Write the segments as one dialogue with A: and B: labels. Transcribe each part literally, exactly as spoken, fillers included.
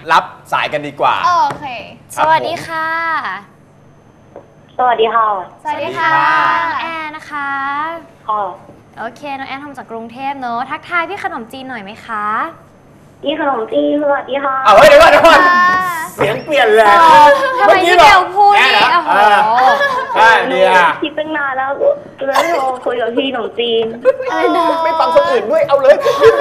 A: รับสายกันดีกว่า
B: โอเค
C: สวัสดีค่ะ
D: สวัสดีค่ะ
B: สวัสดีค่ะ
C: แอนนะคะ
D: ค่ะ
C: โอเคน้องแอนทำจากกรุงเทพเนอะทักทายพี่ขนมจีนหน่อยไหมคะ
D: พี่ขนมจีนสวัสดีค่ะ
A: เอาเฮ้ยเดี๋ยวก่อนเดี๋ยวก่อนเสียงเปลี่ยนเลย
C: ทำไมพี่เบลพูดนี่โอ้โห
A: ใช่เดีย
D: คิดตั้งนานแล้วแล้วโทรคุยกับพี่ขนมจีน
A: ไม่ฟังคนอื่นด้วยเอาเลย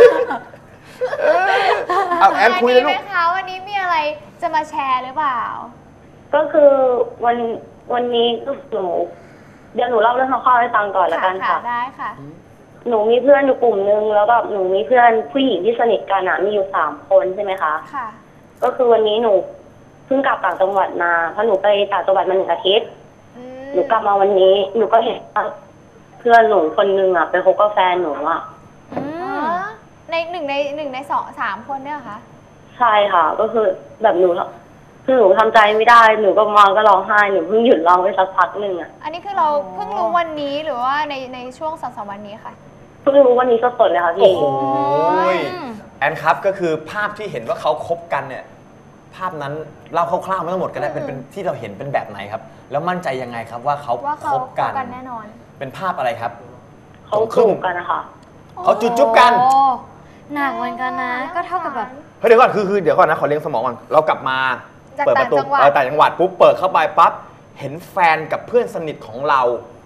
A: เอาแอนคุยเลยลูก
B: ไหมคะวันนี้มีอะไรจะมาแชร์หรือเปล่า
D: ก็คือวันวันนี้หนูเดี๋ยวหนูเล่าเรื่องคร่าวๆให้ฟังก่อนละกันค่ะ
B: ได้ค่ะ
D: หนูมีเพื่อนอยู่กลุ่มนึงแล้วแบบหนูมีเพื่อนผู้หญิงที่สนิทกันอ่ะมีอยู่สามคนใช่ไหมคะ
B: ค่ะ
D: ก็คือวันนี้หนูเพิ่งกลับต่างจังหวัดมาเพราะหนูไปต่างจังหวัดมาหนึ่งอาทิตย์หนูกลับมาวันนี้หนูก็เห็นเพื่อนหนูคนนึงอ่ะไปคบกับแฟนหนูอ่ะ
B: ในหนึ่งในหนึ่งในสองสามคนเนี่ยคะ
D: ใช่ค่ะก็คือแบบหนูคือหนูทำใจไม่ได้หนูก็มาก็ร้องไห้หนูเพิ่งหยุดร้องไปสักพักหนึ่งอ่ะ
B: อันนี้คือเราเพิ่งรู้วันนี้หรือว่าในในช่วงสองสามวันนี้ค่ะ
D: เพิ่งรู้วันนี้สดๆเลยค่ะพี่
A: โอ้ยแอนครับก็คือภาพที่เห็นว่าเขาคบกันเนี่ยภาพนั้นเล่าคร่าวๆไม่ต้องหมดก็ได้เป็นเป็นที่เราเห็นเป็นแบบไหนครับแล้วมั่นใจยังไงครับว่าเขาคบกัน
B: แน่นอน
A: เป็นภาพอะไรครับ
D: เขาจูบกันนะคะ
A: เขาจุ๊บจุ๊บกัน
C: หนักเหมือนกันนะก็เท่ากับแบบ
A: เฮ้ยเดี๋ยวก่อนคือคือเดี๋ยวก่อนนะขอเลี้ยงสมองก่อนเรากลับมาเปิดประตูเออต่างจังหวัดปุ๊บเปิดเข้าไปปั๊บเห็นแฟนกับเพื่อนสนิทของเรา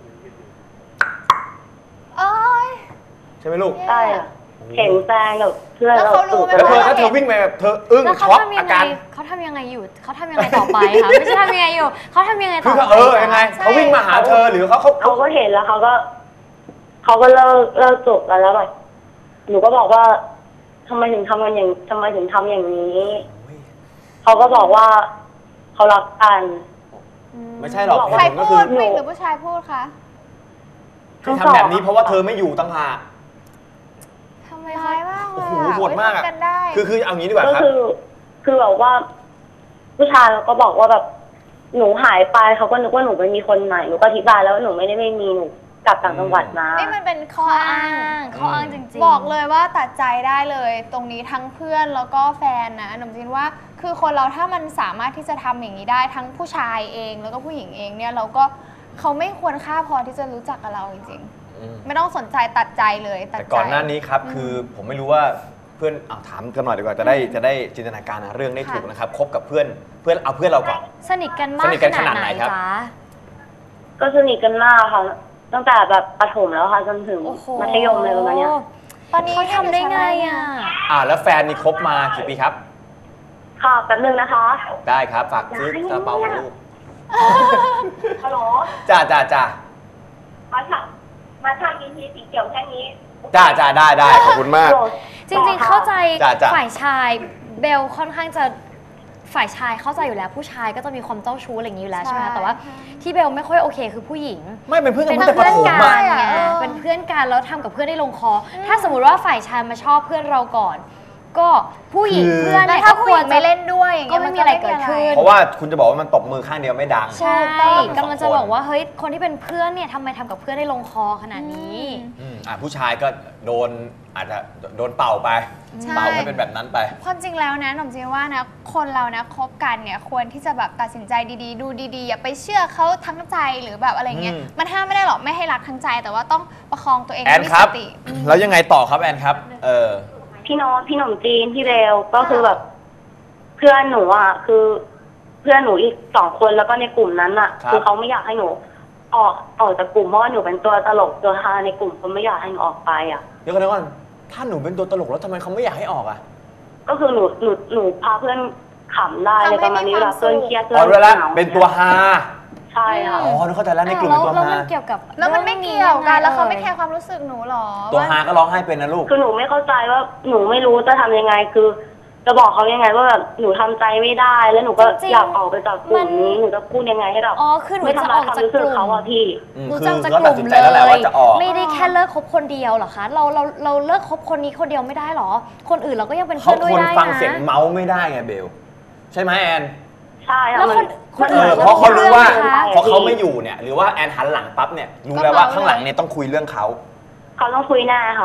B: เอ้ย
A: ใช่ไหมลูก
D: ใช่อะเห็นแฟนกับเพื่อน
B: แล้วเขารู้ไหม
A: แล้วเธอแล้วเธอวิ่งไปแบบเธออึ้งช็อกอาการ
C: เขาทำยังไงอยู่เขาทำยังไงต่อไปคะไม่ใช่ทำยังไงอยู่เขาทำยังไงต่อ
A: ไปเออยังไงเขาวิ่งมาหาเธอหรือเขาเขา
D: เขาก็เห็นแล้วเขาก็เขาก็เลิกเลิกจบกันแล้วแบบหนูก็บอกว่าทำไมถึงทำกันอย่างทำไมถึงทำอย่างนี้เขาก็บอกว่าเขารักกัน
A: ไม่ใช่หรอก
B: ใครพูดผู้หญิงหรือผู้ชายพูดคะ
A: ที่ทำแบบนี้เพราะว่าเธอไม่อยู่ตั้งหาก
B: ทำไมร้ายมากเลย
A: โอ้โหโหดมากอ่ะคือคือเอางี้ดีกว่า
D: ครับก็คือคือแบบว่าผู้ชายก็บอกว่าแบบหนูหายไปเขาก็นึกว่าหนูไม่มีคนใหม่หนูก็อธิบายแล้วว่าหนูไม่ได้ไม่มีหนูกลับต่างจังหวัดมา
B: นี่มันเป็นข้ออ้าง
C: ข้ออ้างจริง
B: ๆบอกเลยว่าตัดใจได้เลยตรงนี้ทั้งเพื่อนแล้วก็แฟนนะหนูคิดว่าคือคนเราถ้ามันสามารถที่จะทำอย่างนี้ได้ทั้งผู้ชายเองแล้วก็ผู้หญิงเองเนี่ยเราก็เขาไม่ควรค่าพอที่จะรู้จักกับเราจริงๆไม่ต้องสนใจตัดใจเลย
A: แต่ก่อนหน้านี้ครับคือผมไม่รู้ว่าเพื่อนเอาถามกันหน่อยดีกว่าจะได้จะได้จินตนาการเรื่องได้ถูกนะครับคบกับเพื่อนเพื่อนเอาเพื่อนเราก่อน
C: สนิทกันมากขนาดไหนจ๊ะ
D: ก็สนิทกันมากค่ะตั้งแต่แบบประถมแล้วค่ะจนถึงมัธยมเลยประมาณนี้
C: ตอนนี้เขาทำได้ไงอ่ะ
A: อ่าแล้วแฟนนี่คบมากี่ปีครับ
D: ค่ะแป๊บนึงนะคะ
A: ได้ครับฝากซื้อกระเป๋าลูก
D: ฮัลโหล
A: จ้าจ้าจ้า
D: มาทำมาทำกินทีสีเขียวแค่นี้
A: จ้าจ้าได้ได้ขอบคุณมาก
C: จริงๆเข้าใจฝ่ายชายเบลค่อนข้างจะฝ่ายชายเข้าใจอยู่แล้วผู้ชายก็จะมีความเจ้าชู้อะไรอย่างนี้อยู่แล้วใช่ไหมแต่ว่าที่เบลไม่ค่อยโอเคคือผู้หญิง
A: ไม่เป็นเพื่อนกันตั้งแต่ประถม
C: อ่ะเป็นเพื่อนกันแล้วทำกับเพื่อนได้ลงคอถ้าสมมติว่าฝ่ายชายมาชอบเพื่อนเราก่อนก็ผู้หญิงเพื่อนเนี่ยก็ควร
B: ไม่เล่นด้วย
C: ก็ไม่มีอะไรเกิดขึ้น
A: เพราะว่าคุณจะบอกว่ามันตบมือข้างเดียวไม่ดัง
C: ใช่กำลังจะบอกว่าเฮ้ยคนที่เป็นเพื่อนเนี่ยทำไมทำกับเพื่อนได้ลงคอขนาดนี้
A: อ่าผู้ชายก็โดนอาจจะโดนเป่าไปเป่าให้เป็นแบบนั้นไป
B: ความจริงแล้วนะหนุ่มจริงว่านะคนเรานะคบกันเนี่ยควรที่จะแบบตัดสินใจดีๆดูดีๆอย่าไปเชื่อเขาทั้งใจหรือแบบอะไรเงี้ยมันห้ามไม่ได้หรอกไม่ให้รักทั้งใจแต่ว่าต้องประคองตัวเอง
A: ให้มีสติแล้วยังไงต่อครับแอนครับเออ
D: พี่น้องพี่หนุ่มจีนพี่เบลก็คือแบบเพื่อนหนูอ่ะคือเพื่อนหนูอีกสองคนแล้วก็ในกลุ่มนั้นอ่ะคือเขาไม่อยากให้หนูออกออกจากกลุ่มเพราะว่าหนูเป็นตัวตลกตัวฮาในกลุ่มเขาไม่อยากให้หนูออกไปอ่ะ
A: เดี๋ยวก่อนเดี๋ยวก่อนถ้าหนูเป็นตัวตลกแล้วทำไมเขาไม่อยากให้ออกอ่ะ
D: ก็คือหนูหนูหนูพาเพื่อนขำได้เลยประมาณนี้เวลาเพื่อนเครียดเพื่อน
A: เหงาเป็นตัวฮา
D: ใช่ค่ะ
A: อ๋อเข้าใจแล้วในกลุ่มเป็นตัวฮา
C: แล้วมันเกี่ยวกับ
B: แล้วมันไม่เกี่ยวกันแล้วเขาไม่แคร์ความรู้สึกหนูหรอ
A: ตัวฮาก็ร้องไห้เป็นนะลูก
D: คือหนูไม่เข้าใจว่าหนูไม่รู้จะทำยังไงคือจะบอกเขายังไงว่าแบบหนูทำใจไม่ได้แล้วหนูก็อยากออกไปจากกลุ่มนี้หนูจะพูดยังไงให้แบบ
C: อ๋อคือหนูจะออกจากกลุ่ม
D: เขาอะพี่
C: หนูจะออกจากกลุ่มเลยไม่ได้แค่เลิกคบคนเดียวหรอคะเราเราเราเลิกคบคนนี้คนเดียวไม่ได้หรอคนอื่นเราก็ยังเป็นเพื่อนด้วยได้นะ
A: เขาคนฟังเสียงเมาส์ไม่ได้ไงเบลใช่ไหมแอน
D: ใช่
C: แล้วคนคนอื่น
A: เพราะเขารู้ว่าพอเขาไม่อยู่เนี่ยหรือว่าแอนหันหลังปั๊บเนี่ยรู้แล้วว่าข้างหลังเนี่ยต้องคุยเรื่องเขา
D: เขาต้องคุยหน้าค่ะ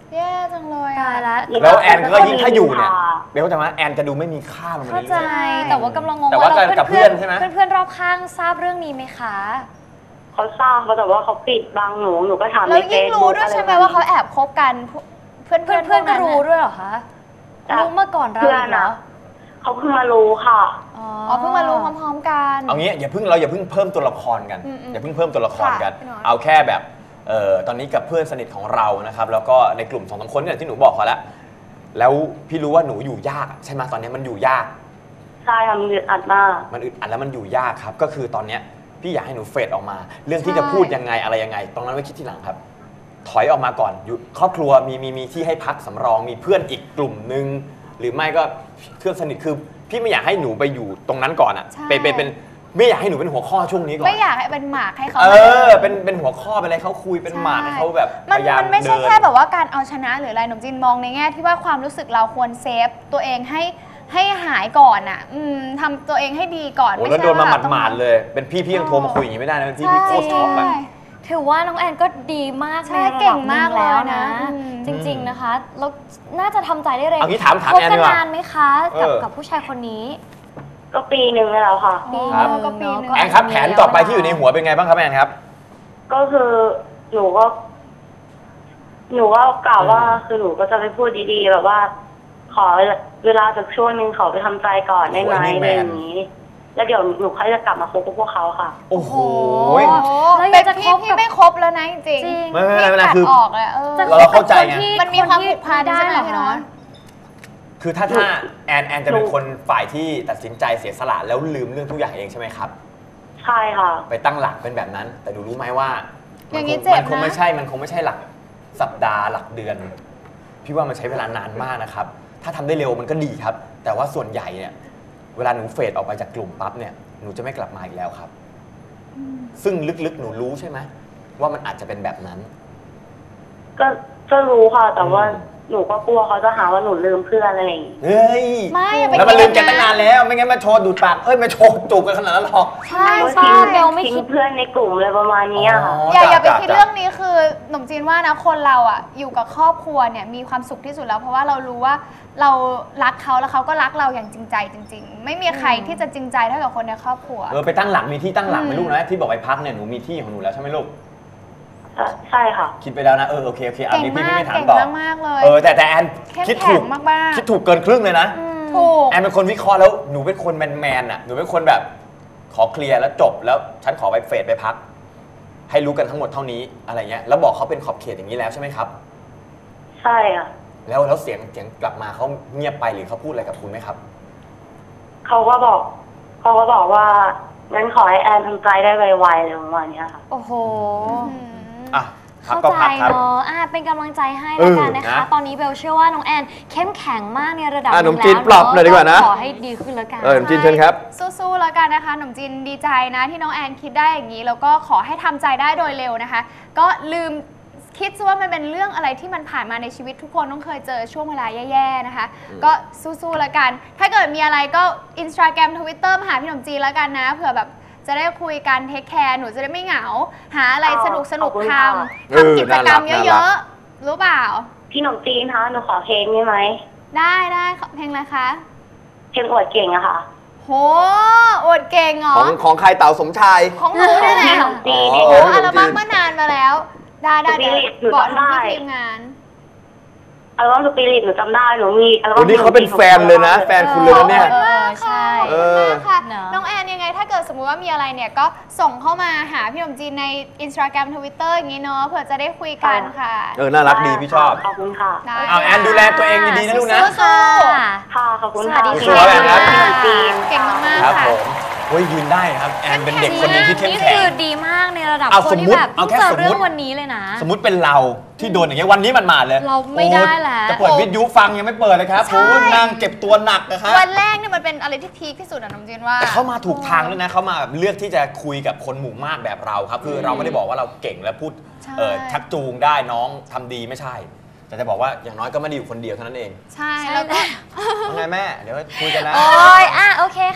B: แย่จังเลย
C: ตายละ
A: แล้วแอนก็ยิ่งถ้าอยู่เนี่ยเบลแต่ว่าแอนจะดูไม่มีค่าลงมา
C: เข้า
A: เรื่
C: ใจ
A: อย
C: แต่ว่ากำลังงง
A: แต่ว่า
C: ว่า
A: กับเพื่อนใช่ไหม
C: เพื่อนเพื่อนๆรอบข้างทราบเรื่องนี้ไหมคะ
D: เขาทราบเขาแต่ว่าเขาปิดบังหนูหนูก็ถาม
B: แล้ว
D: ในเฟ
B: ยิ่ง
D: ซ
B: รู้
D: บุ๊ก
B: ด้วยใช่ไหมว่าเขาแอบคบกันเพื่อน
C: เพื่อนเพื่อนๆก็รู้ด้วยเหรอคะรู้มาก่อนเรา
D: เพื่อ
C: อี
D: น
C: กเหร
D: อะ
C: อ
D: เขาเพิ่งมารู้ค่ะ
C: อ๋อ
B: อ๋อเพิ่งมารู้พร้อมๆกัน
A: ๆเอางี้อย่าเพิ่งเราอย่าเพิ่งเพิ่มตัวละครกัน
B: อืมๆ
A: อย่าเพิ่งเพิ่มตัวละครกัน
B: ค่ะพี่หนอน
A: เอาแค่แบบเอ่อตอนนี้กับเพื่อนสนิทของเรานะครับแล้วก็ในกลุ่มสองสามคนเนี่ยที่หนูบอกเขาแล้วแล้วพี่รู้ว่าหนูอยู่ยากใช่ไหมตอนนี้มันอยู่ยาก
D: ใช่ค่ะมันอึดอัดมาก
A: มันอึดอัดแล้วมันอยู่ยากครับก็คือตอนเนี้ยพี่อยากให้หนูเฟดออกมา เรื่องที่
B: ใช่
A: จะพูดยังไงอะไรยังไงตรงนั้นไว้คิดทีหลังครับ ถอยออกมาก่อนอยู่ครอบครัวมีมีมีที่ให้พักสำรองมีเพื่อนอีกกลุ่มนึงหรือไม่ก็เพื่อนสนิทคือพี่ไม่อยากให้หนูไปอยู่ตรงนั้นก่อนอ่ะ
B: ใช่
A: เป็นเป็นเป็นไม่อยากให้หนูเป็นหัวข้อช่วงนี้ก่อน
B: ไม่อยากให้เป็นหมากให้เขา
A: เออเป็นเป็นหัวข้อเป็นอะไรเขาคุยเป็นหมากให้เขาแบบพ
B: มัน
A: ยายาม
B: มันไม่ใช่
A: เดิน
B: แค่แบบว่าการเอาชนะหรืออะไรหนุ่มจีนมองในแง่ที่ว่าความรู้สึกเราควรเซฟตัวเองให้ให้หายก่อนอ่ะอืมทำตัวเองให้ดีก่อน
A: โอ้
B: ไม่
A: แล้ว
B: ใช่
A: โดนมา
B: ว่า
A: หมาดๆเลย เป็นพี่พี่ยังโทรมาคุยอย่างนี้ไม่ได้นะเป็นพี่พี่โคตรช็อกอะ
B: ใช่
C: ถือว่าน้องแอนก็ดีมาก
B: ใช่
C: ในระดับ
B: เก่งมาก
C: หนึ่แล้วนะ
B: เลยนะอืม
C: จริง ๆนะคะแล้วน่าจะทำใจได้เร็ว
A: เอางี้ถามถาม
C: คบ
A: แอน
C: กั
A: ดีกว่า
C: นานไหมคะกับ
A: เออ
C: กับผู้ชายคนนี้
D: ก็ปีหนึ่งแล้วค่ะ
C: ปี
B: อ๋อ
C: หนึ่ง
B: ก็ปีหนึ่ง
C: เนาะ
A: แอนครับแผนต่อไปที่อยู่ในหัวเป็นไงบ้างครับแอนครับ
D: ก็คือหนูก็ หนูก็กล่าวว่า
A: อืม
D: คือหนูก็จะไปพูดดีๆแบบว่า ขอเวลาสักช่วงหนึ่งขอไปทำใจก่อนได้ไหม
A: โอ้ยนี่
D: อะ
A: แม
D: ไร
A: น
D: อย่างนี้ แล้วเดี๋ยวหนูค่อยจะกลับมาคบกับพวกเขาค่ะ
A: โอ้โห
B: โอ้
C: แล้ว
B: เป็
C: ยั
B: น
C: งจะ
B: พี่
C: คบ
B: พี่
C: กับ
B: ไม่ครบแล้วนะจริง
C: จริง
A: ไม่ไม่ไม่ไม่
B: ตัด
A: คือ
B: ออกเลยเออ
C: จะ
A: เราเราเข้าใจไง
C: คบกับคนที่
B: มันมีความผูกพัน
C: ได้
B: ใช่ไหม
C: เหรอ
B: พี่น้อ
C: คะ
B: ง
A: คือถ้าถ้าแอนแอนจะเป็นคนฝ่ายที่ตัดสินใจเสียสละแล้วลืมเรื่องทุกอย่างเองใช่ไหมครับ
D: ใช่ค่ะ
A: ไปตั้งหลักเป็นแบบนั้น แต่ดูรู้ไหมว่า
B: อ
A: มั
B: ย่าง
A: ค
B: นี้
A: ง
B: เจ็บ
A: มันคง
B: นะ
A: ไม่ใช่ มันคงไม่ใช่หลักสัปดาห์หลักเดือน พี่ว่ามันใช้เวลานานมากนะครับ ถ้าทำได้เร็วมันก็ดีครับ แต่ว่าส่วนใหญ่เนี่ยเวลาหนูเฟดออกไปจากกลุ่มปั๊บเนี่ยหนูจะไม่กลับมาอีกแล้วครับ ซึ่งลึกๆหนูรู้ใช่ไหมว่ามันอาจจะเป็นแบบนั้น
D: ก็ก็รู้ค่ะ แต่ว่า
A: อืม
D: หนูก็กลัวเขาจะหาว่าหนูลืมเพื่อนอะไรอย่างนี้
A: เฮ้ย
B: ไม่อย่าไป
A: แล้วมันลืมแก
B: คิด
A: ตั้งนานแล้ว ไม่งั้นมาโชว์ดูดปากเอ้ยมาโชว์จูบกันขนาดนั้นหรอก
C: ใช่
D: ก็
C: ป้า
D: ทิ้ง
C: เบลไม่
D: ทิ้ง
C: คิด
D: เพื่อนในกลุ่มเลยประมาณนี้อะค่ะ
B: อย่า
A: จ้ะ
B: อย่าไป
A: จ้ะ
B: คิด
A: จ้ะ
B: เรื่องนี้คือหนุ่มจีนว่านะคนเราอ่ะอยู่กับครอบครัวเนี่ยมีความสุขที่สุดแล้วเพราะว่าเรารู้ว่าเรารักเขาแล้วเขาก็รักเราอย่างจริงใจจริง ๆ ไม่มีใครที่จะจริงใจเท่ากับคนในครอบครัว
A: เออไปตั้งหลักมีที่ตั้งหลักไหม
B: อืม
A: ลูกนะที่บอกไปพักเนี่ยหนูมีที่ของหนูแล้วใช่ไหมลูก
D: ใช่ค่ะ
A: คิดไปแล้วนะเออโอเคโอเคอ่ะ
B: เก่ง
A: นี่พี่
B: มาก
A: ไม่ถาม
B: เก่ง
A: ต่อ
B: มากๆเลย
A: เออแต่แต่แอน
B: เข้ม
A: คิด
B: แข็
A: ถู
B: ง
A: ก
B: มากๆ
A: คิดถูกเกินครึ่งเลยนะ
B: ถูก
A: แอนเป็นคนวิเคราะห์แล้วหนูเป็นคนแมนแมนๆอ่ะหนูเป็นคนแบบขอเคลียร์แล้วจบแล้วฉันขอไปเฟดไปพัก ให้รู้กันทั้งหมดเท่านี้อะไรเงี้ยแล้วบอกเขาเป็นขอบเขตอย่างนี้แล้วใช่ไหมครับ
D: ใช่อ่ะ
A: แล้วแล้วเสียงเสียงกลับมาเขาเงียบไปหรือเขาพูดอะไรกับคุณไหมครับ
D: เขาก็บอก เขาก็บอกว่างั้นขอให้แอนทำใจได้ไวๆเลยประมาณเนี้ยค่ะ
C: โอ้โห
A: อ่ะพัก
C: เข้า
A: ก็
C: ใจ
A: พักครับ
C: เนาะอ่ะเป็นกำลังใจให้แล้วกันนะคะ
A: เออนะ
C: ตอนนี้เบลเชื่อว่าน้องแอนเข้มแข็งมากในระดับห
A: อ่ะ
C: นึ่ง
A: หนุ่มจีน
C: แล้ว
A: ปลอบหน่อยดีกว่านะ
C: ขอให้ดีขึ้นแล้วกัน
A: เออหนุ่มจีนเชิญครับ
B: สู้ๆแล้วกันนะคะหนุ่มจีนดีใจนะที่น้องแอนคิดได้อย่างนี้ แล้วก็ขอให้ทำใจได้โดยเร็วนะคะ ก็ลืมคิดซะว่ามันเป็นเรื่องอะไรที่มันผ่านมาในชีวิตทุกคนต้องเคยเจอช่วงเวลาแย่ๆนะคะ ก็สู้ๆแล้วกัน ถ้าเกิดมีอะไรก็ Instagram Twitter มาหาพี่หนุ่มจีนแล้วกันนะเผื่อแบบจะได้คุยกันเทคแคร์หนูจะได้ไม่เหงา หาอะไรสนุกสนุก
D: ขอบคุณ
B: ท
D: ค่ะ
B: ำ
A: เออ
B: ทำกิจกรรม
A: น่ารัก
B: เยอะๆ รู้เปล่า
D: พี่หนุ่มจีนคะหนูขอเพลงได้ไหม
B: ได้ได้เพลงอะไรคะ
D: เพลงอวดเก่งอะค่ะ
B: โหอวดเก่งเหรอ
A: ของของใครเต่าสมชาย
B: ของหนูนี่แหละ
D: พี่หนุ่มจีน
A: อ๋
D: เอง
B: โอ้
A: ข
B: อั
A: ง
B: ลบั้มเมื่อนานมาแล้ว ได้ได้
D: สปิริตหนู
B: บอก
D: จำได้
B: ที่ทีมงาน
D: อัลบั้มสปิริตหนูจำได้หนูมีอัลบั้
A: โอ้
D: ม
A: นี่เขาเป็นแฟนเลยนะ แฟนคุณเลยนะเนี่ย
C: เออใช่
A: เออ
B: ค่ะ
C: เนอะ
B: น้องแอนยังไงถ้าเกิดสมมุติว่ามีอะไรเนี่ยก็ส่งเข้ามาหาพี่หนุ่มจีนใน Instagram Twitter อย่างนี้เนาะเผื่อจะได้คุยกันค่ะ
A: เออน่ารักดีพี่ชอบ
D: ขอบคุณค่ะ
B: ได้
A: เอาแอนดูแลตัวเองดีๆนะลูกนะ
B: สู้
C: ค่ะ
D: ค่ะขอบคุณ
C: ส
D: ค่ะ
C: วัสดี
A: สู้ๆแอนครับ
D: พี่หนุ่มจีน
B: เก่งมาก
A: ครับ
B: ๆค่ะ
A: ผมเฮ้ยยืนได้นะครับแอนเป็นเด็กคนหนึงที่เข้ม
C: นี่
A: แข็
C: คื
A: ง
C: อดีมากในระดับ
A: เอา
C: ค
A: ส
C: น
A: ม
C: ที่
A: มุติ
C: แบบ
A: เอา
C: เพิ่ง
A: แค่
C: เจอ
A: สมมุติ
C: เรื่องวันนี้เลยนะ
A: สมมติเป็นเราที่โดนอย่างเงี้ยวันนี้มันมาเลย
C: เราไม่ได้แล้ว
A: จะเปิดวิทยุฟังยังไม่เปิดเลยครับ
B: ใช่
A: โอ้นั่งเก็บตัวหนักนะครับ
B: วันแรกเนี่ยมันเป็นอะไรที่พีคที่สุดอะน้องจีนว่า
A: แต่เขามาถูกทางด้วยนะเขามาเลือกที่จะคุยกับคนหมู่มากแบบเราครับ คือเราไม่ได้บอกว่าเราเก่งและพูด
B: ใช่
A: เอ่อชักจูงได้น้องทำดีไม่ใช่ แต่จะบอกว่าอย่างน้อยก็ไม่ได้อยู่คนเดียวเท่านั้นเอง
B: ใช่
C: ใช่
B: แล้วก็
C: แล้ว
A: ว่าไงแม่ เดี๋ยวคุยกันนะ
C: โอ้ยอ่ะโอเคค่ะ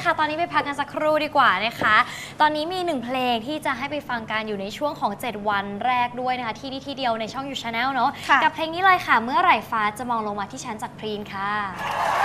C: ค่ะตอนนี้ไปพักกันสักครู่ดีกว่านะคะตอนนี้มีหนึ่งเพลงที่จะให้ไปฟังกันอยู่ในช่วงของเจ็ดวันแรกด้วยนะคะที่นี่ที่เดียวในช่อง You Channel เนาะกับเพลงนี้เลยค่ะเมื่อไหร่ฟ้าจะมองลงมาที่ฉันจากพรีนค่ะ